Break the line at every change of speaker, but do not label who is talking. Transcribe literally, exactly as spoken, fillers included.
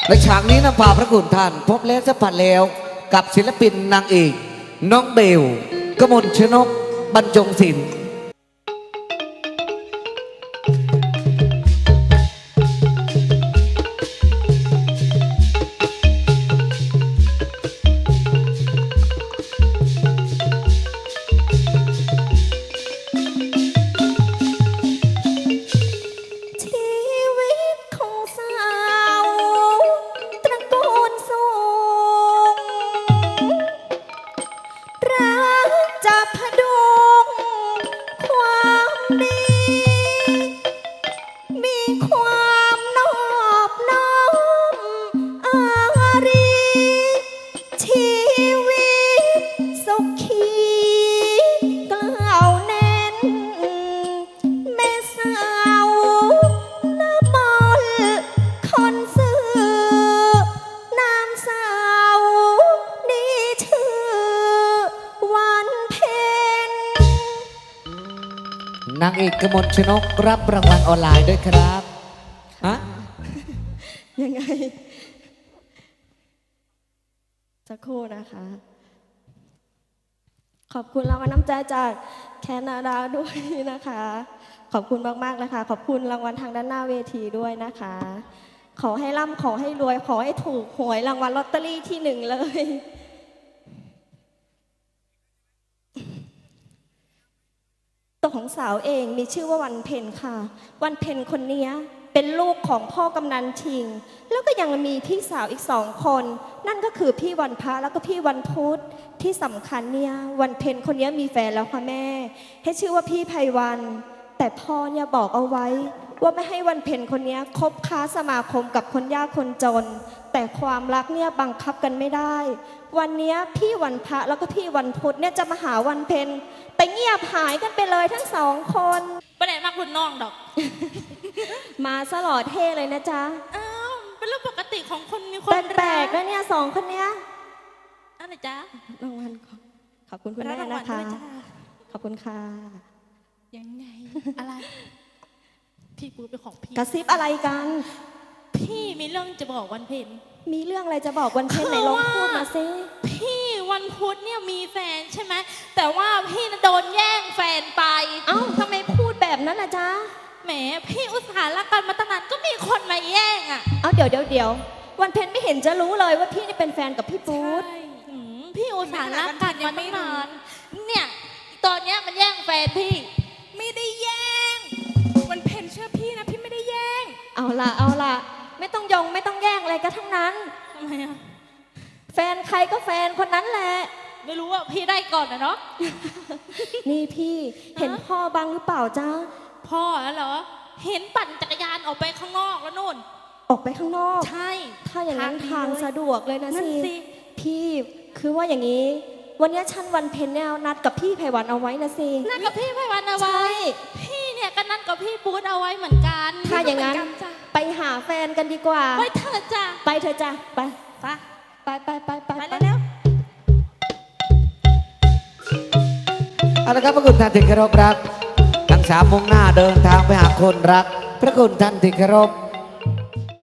ในฉากนี้นะฝ่าพระคุณท่านพบแล้วจะผ่านแล้วกับศิลปินนางเอกน้องเบลกมลชนกบรรจงศิลป์นางเอกกมลชนกรับรางวัลออนไลน์ด้วยครับฮะ
ยังไงสักครู่นะคะ ขอบคุณรางวัลน้ำใจจากแคนาดาด้วยนะคะ ขอบคุณมากๆนะคะขอบคุณรางวัลทางด้านหน้าเวทีด้วยนะคะ ขอให้ร่ำขอให้รวยขอให้ถูกหวยรางวัลลอตเตอรี่ที่หนึ่งเลยตัวของสาวเองมีชื่อว่าวันเพ็ญค่ะวันเพ็ญคนนี้เป็นลูกของพ่อกำนันทิงแล้วก็ยังมีพี่สาวอีกสองคนนั่นก็คือพี่วันพระแล้วก็พี่วันพุธที่สำคัญเนี่ยวันเพ็ญคนนี้มีแฟนแล้วค่ะแม่ให้ชื่อว่าพี่ไพวันแต่พ่อเนี่ยบอกเอาไว้ว่าไม่ให้วันเพ็ญคนนี้คบค้าสมาคมกับคนยากคนจนแต่ความรักเนี่ยบังคับกันไม่ได้วันนี้พี่วันพระแล้วก็พี่วันพุธเนี่ยจะมาหาวันเพ็ญแต่เงียบหายกันไปเลยทั้งสองคน
ประเด็นมากคุณน้องดอก
มาสลอดเท่เลยนะจ๊ะ
อ้าวเป็นเรื่องปกติของคนมีคน
แปลกๆแล้วเนี่ยสองคนเนี้ย
อะไรจ๊ะ
รางวัลขอบคุณคุณแม่นะคะขอบคุณค่ะ
ยังไงอะไรพี่ปูเป็นของพี่
กระซิบอะไรกัน
พี่มีเรื่องจะบอกวันเพ็ญ
มีเรื่องอะไรจะบอกวันเพ็ญไหนลองพูดมาซิ
พี่วันพุธเนี่ยมีแฟนใช่ไหมแต่ว่าพี่โดนแย่งแฟนไป
เอ้าทำไมพูดแบบนั้นล่ะจ๊ะ
แหมพี่อุตส่าห์รักกันมาตั้งนานก็มีคนมาแย่งอ่ะ
เอาเดี๋ยวเดี๋ยวเดี๋ยววันเพ็ญไม่เห็นจะรู้เลยว่าพี่นี่เป็นแฟนกับพี่ปู๊ด
พี่อุตส่าห์รักกันมาตั้งนานเนี่ยตอนเนี้ยมันแย่งแฟนพี่ไม่ได้แย่งวันเพ็ญเชื่อพี่นะพี่ไม่ได้แย่ง
เอาล่ะเอาล่ะไม่ต้องยงไม่ต้องแย่งอะไรกันทั้งนั้น
ทำไมอ่ะ
แฟนใครก็แฟนคนนั้นแหละ
ไม่รู้ว่าพี่ได้ก่อนนะเนาะ
นี่พี่เห็นพ่อบ้างหรือเปล่าจ๊ะ
พ่อแล้วเหรอเห็นปั่นจักรยานออกไปข้างนอกแล้วนู่น
ออกไปข้างนอก
ใช่
ถ้าอย่างนั้นทางสะดวกเลยนะสิพี่คือว่าอย่างนี้วันนี้ฉันวันเพ็ญเนี่ยนัดกับพี่ไพวันเอาไว้นะสิ
นัดกับพี่ไพวันเอาไว้พี่เนี่ยก็นัดกับพี่ปู๊ดเอาไว้เหมือนกัน
ถ้าอย่างนั้นไปหาแฟนกันดีกว่า
ไปเถอะจ้ะ
ไปเถอะจ้ะไป
ไป
ไปไปไปไป
ไปแล้ว
เอาละครับพระคุณท่านที่เคารพรักทั้งสามมุ่งหน้าเดินทางไปหาคนรักพระคุณท่านที่เคารพ